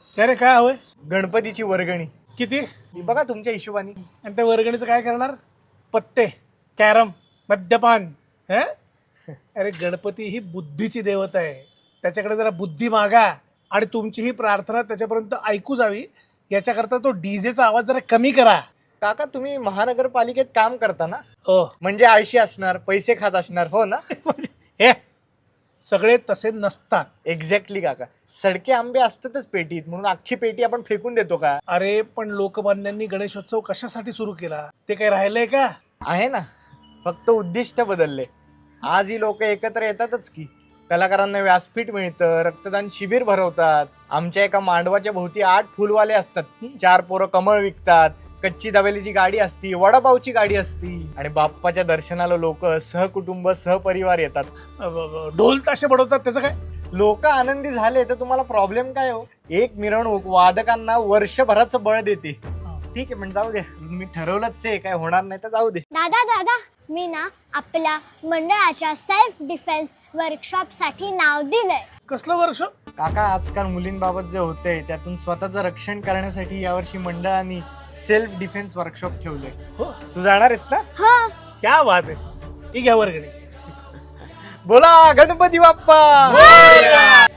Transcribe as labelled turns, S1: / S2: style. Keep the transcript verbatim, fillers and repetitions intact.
S1: काय रे काय हवंय?
S2: गणपतीची वर्गणी
S1: किती?
S2: ही बघा तुमच्या हिशोबाने.
S1: आणि त्या वर्गणीचं काय करणार? पत्ते, कॅरम, मद्यपान. हे? अरे गणपती ही बुद्धीची देवता आहे, त्याच्याकडे जरा बुद्धी मागा आणि तुमची ही प्रार्थना त्याच्यापर्यंत ऐकू जावी याच्याकरता तो डीजेचा आवाज जरा कमी करा.
S2: काका तुम्ही महानगरपालिकेत काम करता ना,
S1: ओ
S2: म्हणजे आळशी असणार, पैसे खात असणार, हो ना?
S1: हे सगळे तसे नसतात.
S2: एक्झॅक्टली काका. सडके आंबे असतातच पेटीत, म्हणून अख्खी पेटी आपण फेकून देतो का?
S1: अरे पण लोकमान्यांनी गणेशोत्सव कशासाठी सुरू केला ते काही राहिलंय का?
S2: आहे ना, फक्त उद्दिष्ट बदलले. आज ही लोक एकत्र येतातच की. कलाकारांना व्यासपीठ मिळतं, रक्तदान शिबिर भरवतात. आमच्या एका मांडवाच्या भोवती आठ फुलवाले असतात, चार पोरं कमळ विकतात, कच्ची दाबेलीची गाडी असती, वडापावची गाडी असती आणि बाप्पाच्या दर्शनाला लोक सहकुटुंब सहपरिवार येतात.
S1: अ, ब- ब- ढोल ताशे बडवतात, त्याचं काय?
S2: लोक आनंदी झाले तर तुम्हाला प्रॉब्लेम काय हो? एक मिरवणूक वादकांना वर्षभराचं बळ देते. ठीक आहे, पण जाऊ दे, मी ठरवलंच आहे, काय होणार नाही तर जाऊ दे.
S3: दादा दादा मी ना आपल्या मंडळाच्या सेल्फ डिफेन्स वर्कशॉप साठी नाव दिलंय.
S1: कसलं वर्कशॉप?
S2: काका आजकाल मुलींबाबत जे होतंय त्यातून स्वतःचं रक्षण करण्यासाठी यावर्षी मंडळाने सेल्फ डिफेन्स वर्कशॉप ठेवले.
S1: हो,
S2: तू जाणार आहेस ना?
S3: हो
S1: क्या बात आहे. ही घ्या वर्गणी.
S2: बोला गणपती बाप्पा.